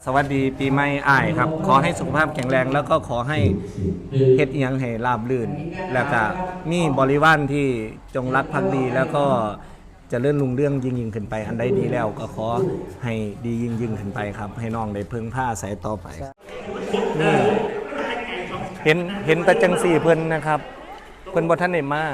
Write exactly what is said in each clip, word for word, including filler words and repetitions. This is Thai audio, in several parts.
สวัสดีปีใหม่อ้ายครับขอให้สุขภาพแข็งแรงแล้วก็ขอให้เฮ็ดเอียงให้ราบรื่นแล้วก็มีบริวารที่จงรักภักดีแล้วก็จะเลื่อนลุงเรื่องยิ่งยิ่งขึ้นไปอันใดดีแล้วก็ขอให้ดียิ่งยิ่งขึ้นไปครับให้น้องได้เพิ่งผ้าใส่ต่อไปนี่เห็นเห็นแต่จังสี่เพิ่นนะครับเพิ่นบ่ทันได้มา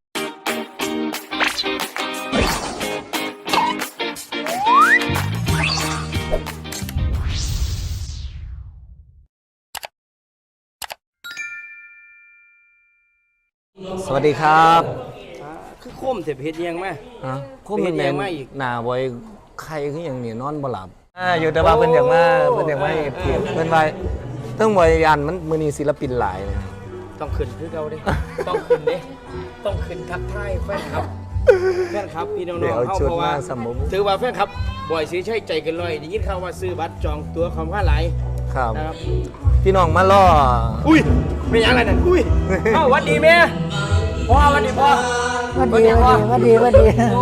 สวัสดีครับคือโคมเสพเฮ็ดยังมาฮะโคมแม่นหน้าบ่อยใครคือหยังนี่นอนบ่หลับอ่าอยู่แต่ว่าเพิ่นอยากมาเพิ่นอยากมาเพียบเพิ่นว่าต้องบ่ยันมันมื้อนี้ศิลปินหลายนะต้องขึ้นคือเก่าเด้ต้องขึ้นเด้ต้องขึ้นทักทายแฟนคลับแฟนคลับพี่น้องๆเฮาเพราะว่าถือว่าแฟนคลับบ่อยสิใช้ใจเกินร้อยได้ยินข่าวว่าซื้อบัตรจองตั๋วคำว่าหลายครับพี่น้องมาล่ออุ้ยเป็นยังไงนั่นอุ้ยเอ้าหวัดดีแม่พ่อวันดีพ่อวันดีวันดีวันดีโอ้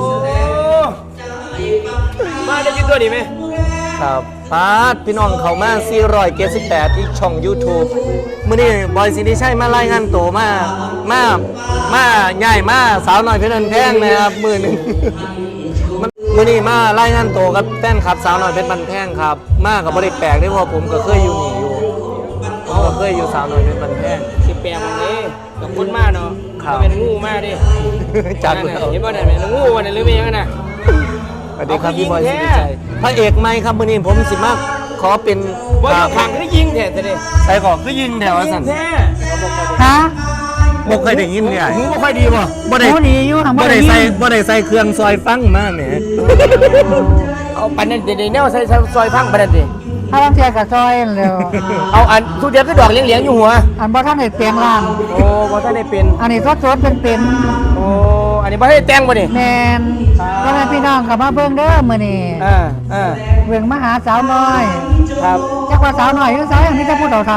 มาได้ยินตัวดีไหมครับปาดพี่น้องเขามาสี่ร้อยเจ็ดสิบแปดที่ช่อง YouTube มื้อนี้บอยสิริชัยมารายงานตัวมามามาใหญ่มาสาวน้อยเพชรบันแพงนะครับมื้อนึงมื้อนี้มารายงานตัวกับแฟนคลับสาวน้อยเพชรบันแพงครับมาก็บ่ได้แปลกเด้เพราะผมก็เคยอยู่นี่อยู่ผมก็เคยอยู่สาวน้อยเพชรบันแพงสิแปลกมันนี่กับคนมาเนาะเป็นงูมาดิจัดแล้วเห็นบ่ได้แม่งูวันนี้หรือไม่ยังน่ะสวัสดีครับพี่บอยสิริชัยพระเอกไหมครับมื้อนี้ผมสิมาขอเป็นบ่ขังคือยิงแท้ซะดิใส่ขอคือยิงแถวสั่นฮะบ่เคยได้ยินเนี่ยหูบ่ค่อยดีบ่บ่ได้ดีอยู่บ่ได้ใส่บ่ได้ใส่เครื่องซอยฟังมาแหมเอาปานนั้นได้แนวใส่ซอยฟังปานนั้นดิถ้าบางเทียกับซอยแล้วเอาอันทุกเดียวคือดอกเลี้ยงๆอยู่หัวอันบ่ท่านได้เปลี่ยนร่างโอ้บ่ท่านได้เป็นอันนี้สดๆเป็นๆโอ้อันนี้บ่ได้แต่งบ่นี่แม่นพ่อแม่พี่น้องก็มาเบิ่งเด้อมื้อนี้เออเออเบิ่งมาหาสาวน้อยครับจักว่าสาวน้อยหรือสาวอันนี้จะพูดเฒ่า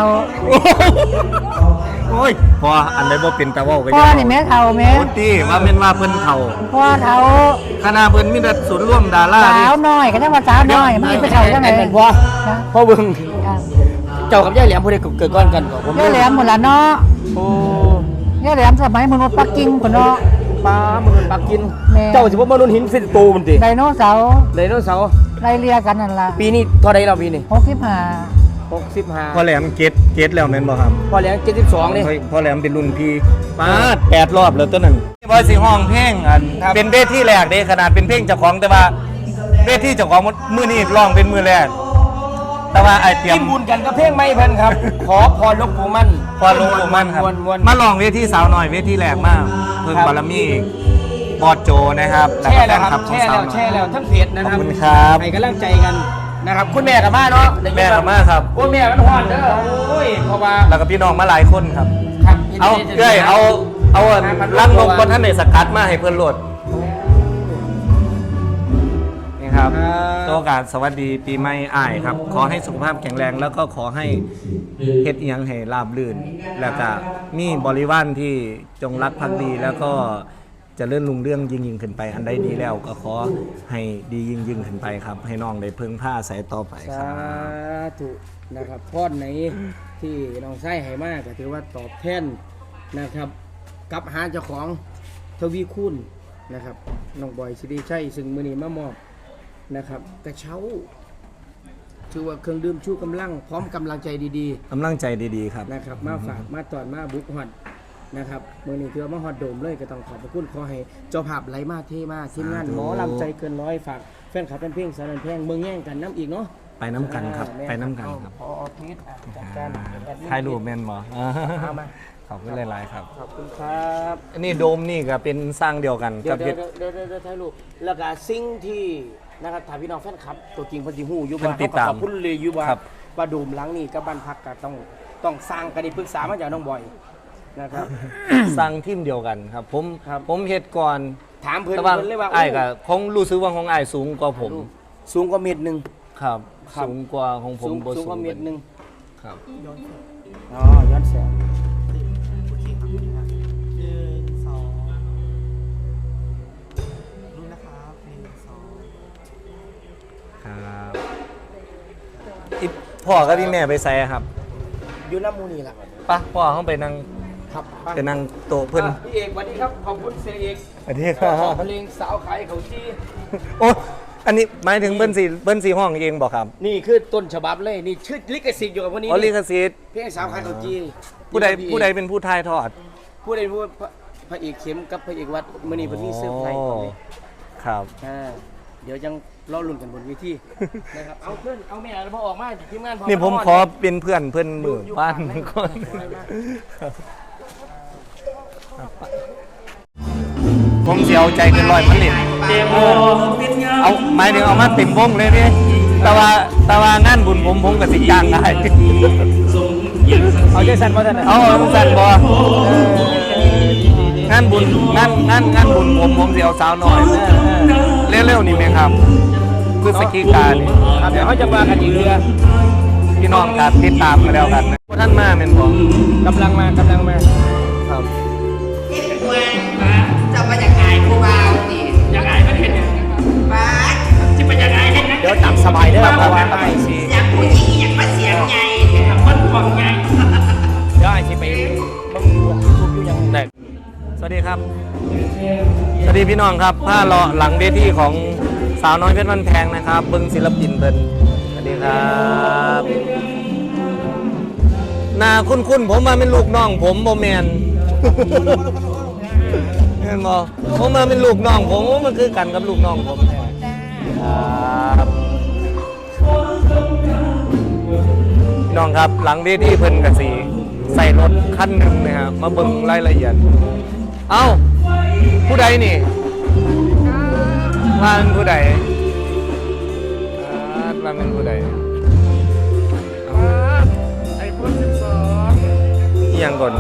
ๆโอ้ยพออันใดบ่เป็นตาเว้าก็พ่อนี่แม่เฒ่าแม่โอ้ติว่าแม่นว่าเพิ่นเฒ่าพ่อเฒ่าคณะเพิ่นมีแต่ศูนย์ร่วมดาราสาวน้อยก็จังว่าสาวน้อยมันเป็นเฒ่าจังได๋แม่นบ่พ่อเบิ่งเจ้ากับยายแหลมผู้ใดเกิดก่อนกันก็ผมยายแหลมหมดละเนาะโอ้ยายแหลมสมัยมนุษย์ปักกิ่งพุ่นเนาะป้ามนุษย์ปักกิ่งเจ้าสิบ่มนุษย์หินสิโตมันติไดโนเสาร์ไดโนเสาร์ไล่เลียกันนั่นล่ะปีนี้เท่าใดแล้วปีนี้หกสิบห้าหกสิบห้าพ่อแหลมเกตเกตแล้วแม่นบ่ครับพ่อแหลมเจ็ดสิบสองนี่พ่อแหลมเป็นรุ่นพี่ปาดแปดรอบแล้วตัวนั้นบ่สิห้องเพลงอันเป็นเวทีแรกเด้ขนาดเป็นเพลงเจ้าของแต่ว่าเวทีเจ้าของมื้อนี้ร้องเป็นมื้อแรกแต่ว่าไอเตรียมบุญกันกับเพลงไม่เพิ่นครับขอพรหลวงปู่มั่นพรหลวงปู่มั่นครับมาลองเวทีสาวหน่อยเวทีแรกมากเพิ่งบารมีบอดโจนะครับแช่แล้วครับแช่แล้วแช่แล้วทั้งเพจนะครับขอบคุณครับให้กำลังใจกันนะครับคุณแม่กับม่าเนาะแม่กับม่าครับโอ้แม่มันฮอดเด้อโอ้ยเพราะว่าแล้วก็พี่น้องมาหลายคนครับเอาเอ้ยเอาเอาลังลงบนท่านในสกัดมาให้เพื่อนโหลดครับโอกาสสวัสดีปีใหม่อ้ายครับขอให้สุขภาพแข็งแรงแล้วก็ขอให้เฮ็ดเอียงให้ราบรื่นแล้วก็มีบริวารที่จงรักภักดีแล้วก็จะเลื่อนลุงเรื่องยิ่งยิ่งขึ้นไปอันใดดีแล้วก็ขอให้ดียิ่งยิ่งขึ้นไปครับให้น้องได้เพิ่งผ้าใส่ต่อไปครับสาธุนะครับพรไหนที่น้องไส้ให้มากก็ถือว่าตอบแทนนะครับกับหาเจ้าของทวีคุณนะครับน้องบอยสิริชัยซึ่งมื้อนี้มามอบนะครับกระเช้าถือว่าเครื่องดื่มชูกำลังพร้อมกำลังใจดีๆกำลังใจดีๆครับนะครับมาฝากมาตอนมาบุกฮอดนะครับมื้อนี้ถือว่ามาฮอดโดมเลยก็ต้องขอบพระคุณขอให้เจ้าภาพไหลมาเทมาทีมงานหมอลำใจเกินร้อยฝากแฟนคลับเป็นเพลงสารเพลงเมืองแย่งกันน้ำอีกเนาะไปน้ำกันครับไปน้ำกันครับพอพีทจัดการถ่ายรูปแม่นบ่เอามาขอบคุณหลายๆครับขอบคุณครับอันนี้โดมนี่ก็เป็นสร้างเดียวกันกับเดี๋ยวเดี๋ยวเดี๋ยวถ่ายรูปแล้วก็สิ่งที่นะครับถ่ายพี่น้องแฟนคลับตัวจริงพันธิหูอยู่บ้านเขาขอบคุณเลยอยู่ว่าว่าโดมหลังนี่กับบ้านพักก็ต้องต้องสร้างกันในปรึกษามาจากน้องบอยนะครับสร้างทีมเดียวกันครับผมผมเฮ็ดก่อนถามเพื่อนเลยว่าไอ้ก็คงรู้สึกว่าของไอ้สูงกว่าผมสูงกว่าเมตรหนึ่งครับสูงกว่าของผมสูงกว่าเมตรหนึ่งครับอ๋อย้อนแสงครับอีพ่อกับพี่แม่ไปใส่ครับอยู่น้ำมูนี่ล่ะปะพ่อเขาไปนั่งครับไปนั่งโต๊ะเพิ่นอ่ะพี่เอกสวัสดีครับขอบคุณเสียเอกสวัสดีครัขอบ เพลงสาวขายเขาจี้โอ้อันนี้หมายถึงเบิ้นสีเบิ้นสีห้องเองบอกครับนี่คือต้นฉบับเลยนี่ชื่อลิขสิทธิ์อยู่กับวันนี้อ๋อลิขสิทธิ์เพลงสาวขายเขาจี้ผู้ใดผู้ใดเป็นผู้ทายทอดผู้ใดผู้พระพระเอกเข็มกับพระเอกวัดมื้อนี้เพิ่นมีเซอร์ไพรส์อ๋อก่อนเลยครับอ่าเดี๋ยวยังรอลุ้นกันบนเวทีนะครับเอาเพื่อนเอาแม่แล้วพอออกมาทีมงานพอนี่ผมาขอเป็นเพื่อนเพื่อนมือบ้านก่อนผมเสียวใจเกินร้อยมันเล่นเออเอาหมายถึงเอามาเต็มวงเลยนี่แต่ว่าแต่ว่างานบุญผมผมกับสิจ้างได้เอาใจสั่นบ่ท่านน่ะเอาสั่นบ่งานบุญงานงานงานบุญผมผมสิเอาสาวหน่อยเร็วๆนี่ไหมครับคือสกีการนี่ครับเดี๋ยวเขาจะมากันอีกเรือพี่น้องครับติดตามกันแล้วกันนะท่านมาเป็นผมกำลังมากำลังมาครับที่เป็นตัวจะมาจากไหนครูบาวนี่จากไหนไม่เห็นบ้าจะมาจากไหนเห็นนะเดี๋ยวจับสบายเด้อเพราะว่าไอ้สิอยากผู้หญิงอยากมาเสียงใหญ่คนของใหญ่เดี๋ยวไอ้สิไปมึงทุกอยู่ยังได้สวัสดีครับ สวัสดีพี่น้องครับผ้าเลาะหลังเวทีของสาวน้อยเพชรบ้านแพงนะครับเบิ้งศิลปินเพิ่นสวัสดีครับหน้าคุ้นๆผมมาเป็นลูกน้องผมโบแมน เห็นบ่ผมมาเป็นลูกน้องผมมันคือกันกับลูกน้องผมแท้ครับพี่น้องครับหลังเวทีเพิ่นกะสีใส่รถคันหนึ่งนะครับมาเบิ่งรายละเอียดเอ้าผู้ใดนี่ว่าเป็นผู้ใดอ่าว่าเป็นผู้ใดไอโฟนสิบสองอีหยังก่อน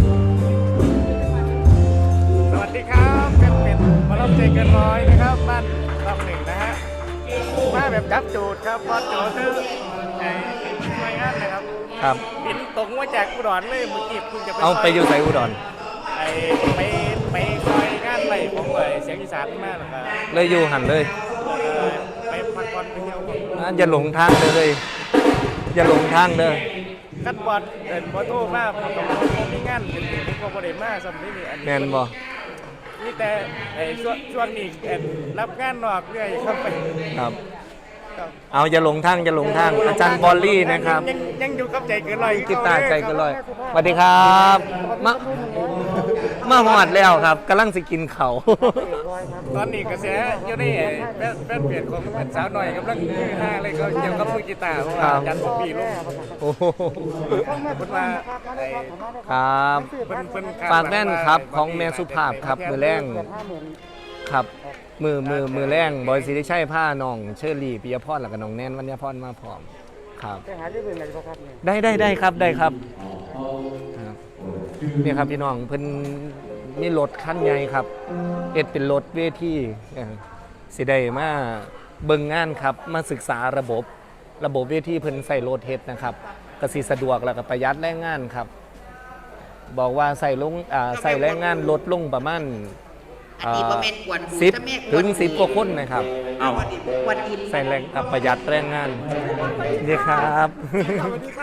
สวัสดีครับเป็นเป็นมารับใจเกินร้อยนะครับบ้านลำหนึ่งนะฮะมาแบบจับจูดครับบอสโจคือไอ้หน่วยงานนะครับครับบินตรงมาจากอุดรเลยเมื่อกี้คุณจะไปเอาไปอยู่ไสอุดรไอ้ไปไปซอยงานไรผมเลยเสียงอีสานมากเลยครับเลยอยู่หันเลยไปพักผ่อนไปเที่ยวผมอ่าอย่าหลงทางเลย อย่าหลงทางเด้อคัดบอลเดินบอลโทรมาผมกับผมมีงานเป็นผมก็บ่ได้มาสำนี้นี่อันนี้แม่นบ่นี่แต่ไอ้ช่วงช่วงนี้เอ่อรับงานนอกเรื่อยครับไปครับครับเอาอย่าหลงทางอย่าหลงทาง อาจารย์บอลลี่นะครับยังยังอยู่กับใจเกินร้อยกีตาร์ใจเก็ลอยสวัสดีครับมามาหอดแล้วครับกำลังสิกินเขาวตอนนี้กระแสอยู่ในแฟนแฟนเพจของสาวหน่อยกำลังคือฮาเลยเขาเกี่ยวกับมือกีตาร์เพราะว่าอาจันทร์ปีลงโอ้โหเพิ่นว่าไอ้ครับเพิ่นเพิ่นคดฝากแว่นครับของแม่สุภาพครับมือแรงครับ มือมือมือแรงบอยสิริชัยผ้าน้องเชอรี่ปิยพรแล้วก็น้องแนนวัญญาพรมาพร้อมครับได้ได้ได้ครับได้ครับครับนี่ครับพี่น้องเพิ่นมีรถคันใหญ่ครับเอ็ดเป็นรถเวทีเอ่อสิได้มาเบิ่งงานครับมาศึกษาระบบระบบเวทีเพิ่นใส่รถเฮ็ดนะครับก็สิสะดวกแล้วก็ประหยัดแรงงานครับ บอกว่าใส่ลงอ่าใส่แรงงานลดลงประมาณอันนี้บ่แม่นกวนหูสิบถ้าแม่กวนถึงสิบกว่าคนนะครับเอากวนอินใส่แรงอ่ะประหยัดแรงงานดีครับสวัสดีค่ะ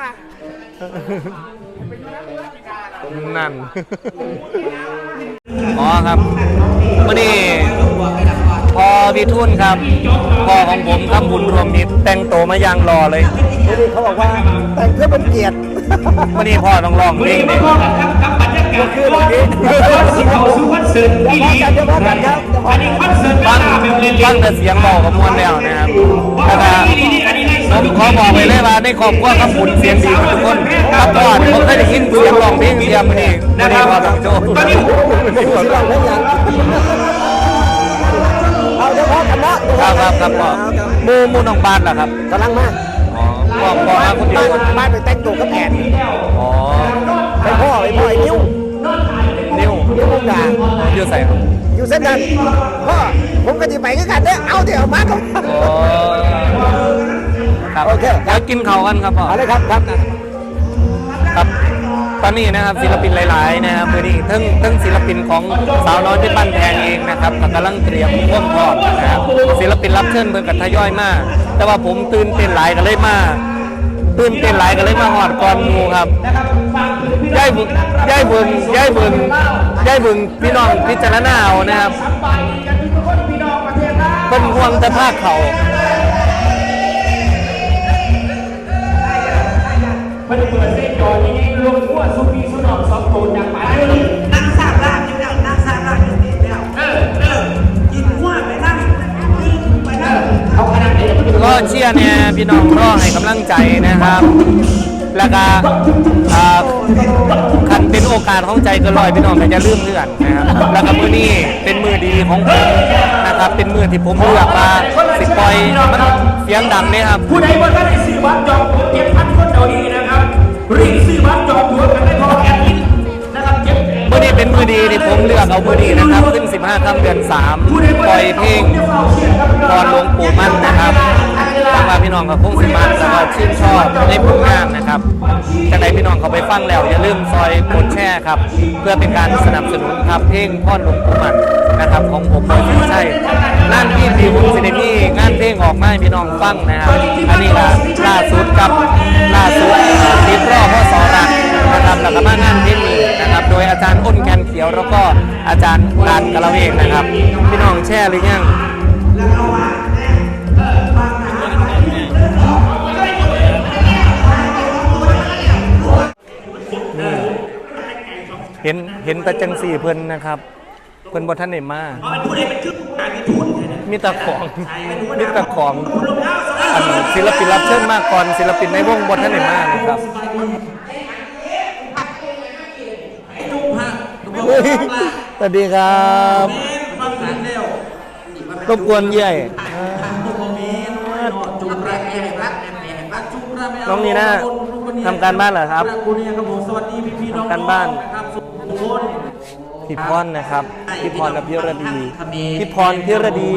นั่น อ๋อครับมื่อนี้พอพี่ทุนครับพ่อของผมทำบุญรวมมิตรแต่งตัวมาอย่างรอเลยเขาบอกว่าแต่งเพื่อเป็นเกียรติมื่อนี้พ่อต้องร้องเพลงนี่คือแบบนี้จะพากันจะพากันครับจะพากันฟังฟังแต่เสียงบอกกับมวลแล้วนะครับแล้วก็ผมขอบอกไปเลยว่าในครอบครัวครับบุญเสียงดีทุกคนครับก่อนผมเคยได้ยินเสียงร้องเพลงเสียงมื่อนี้มื่อนี้พ่อต้องโชว์สิลองได้ยังเอาเดี๋ยวพากันนะครับครับครับพ่อมูมูน้องบานเหรอครับกำลังมาอ๋อพ่อพ่อมาคนเดียวบ้านไปแต่งตัวกับแผนอ๋อไปพ่อไปพ่อไอ้นิ้วนิ้วนิ้วมุกดาอยู่ใส่ครับอยู่เส้นนั้นพ่อผมก็จะไปด้วยกันเนี่ยเอาเดี๋ยวมาครับอ๋อครับโอเคเดี๋ยวกินเขาวกันครับพ่อเอาเลยครับครับครับตอนนี้นะครับศิลปินหลายๆนะครับมือนี้ทั้งทั้งศิลปินของสาวน้อยที่บ้านแพงเองนะครับก็กำลังเตรียมร่วมพร้อมนะครับศิลปินรับเชิญเพิ่นกับทยอยมากแต่ว่าผมตื่นเต้นหลายก็เลยมาตื่นเต้นหลายก็เลยมาหอดก่อนหมู่ครับย่ายบุญย่ายบุญย่ายบุญย่ายบุญพี่น้องพิจารณาเอานะครับเป็นห่วงแต่ภาคเขามันเปิดเส้นจอนี้รวมทั่วสุพีสุนองสองโตนอย่างหมายเลยนั่งสามล่างอยู่แล้วนั่งสามล่างอยู่นี่แล้วเออเออกินหัวไปนั่งไปนั่งเอาขนาดไหนก็เชียร์เนี่ยพี่น้องรอให้กำลังใจนะครับ แล้วก็อ่าคันเป็นโอกาสของใจเก็ลอยพี่น้องก็จะลืมเลือนนะครับแล้วก็มือนี้เป็นมือดีของผมนะครับเป็นมือที่ผมเลือกมาสิปล่อยมันเสียงดังเนี่ยครับผู้ใดว่าได้ซื้อบัตรจองตั๋วเก็บพันคนเดี๋ยวนี้นะครับรีบซื้อบัตรจองตั๋วกันได้พอแอดมินนะครับเก็บมือนี้เป็นมือดีที่ผมเลือกเอามือดีนะครับขึ้นสิบห้าค่ำเดือนสามปล่อยเพลงตอนหลวงปู่มั่นนะครับทางว่าพี่น้องกับพงศิมันแล้วก็ชื่นชอบในผลงานนะครับจากไหนพี่น้องเขาไปฟังแล้วอย่าลืมซอยกดแชร์ครับเพื่อเป็นการสนับสนุนครับเพลงพ่อหลวงปู่มั่นนะครับของผมบอยสิริชัยงานที่ดีผมสิเดมี่งานเพลงออกมาให้พี่น้องฟังนะครับอันนี้ล่ะล่าสุดกับล่าสุดทีมรอพ่อสอรักนะครับแล้วก็มางานเพลงนี้นะครับโดยอาจารย์อ้นแกนเขียวแล้วก็อาจารย์ลานกะละเวกนะครับพี่น้องแชร์หรือยังเห็นเห็นตะจังสี่เพิ่นนะครับเพิ่นบ่ทันได้มามีแตะของมีแตะของอันศิลปินรับเชิญมากก่อนศิลปินในวงบ่ทันได้มานะครับสวัสดีครับรบกวนเย่ยน้องนีน่าทำการบ้านเหรอครับทำการบ้านพี่พรนะครับพี่พรกับพี่ระดีพี่พรพี่ระดี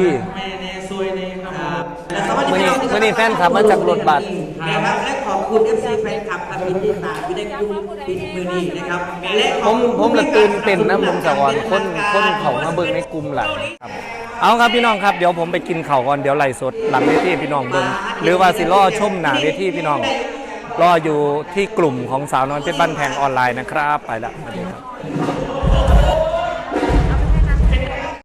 เมื่อนี้เมื่อนี้แฟนคลับมาจากรถบัสนะครับและขอบคุณ เอฟ ซี แฟนคลับครับที่ติดตามที่ได้ดูปิดมือนี้นะครับและผมผมละตื่นเต้นนะผมสะอ่อนคนคนเขามาเบิ่งในกลุ่มหลังครับเอาครับพี่น้องครับเดี๋ยวผมไปกินข้าวก่อนเดี๋ยวไล่สดหลังเวทีพี่น้องเบิ่งหรือว่าสิรอชมหน้าเวทีพี่น้องรออยู่ที่กลุ่มของสาวน้อยเพชรบ้านแพงออนไลน์นะครับไปละสวัสดีครับ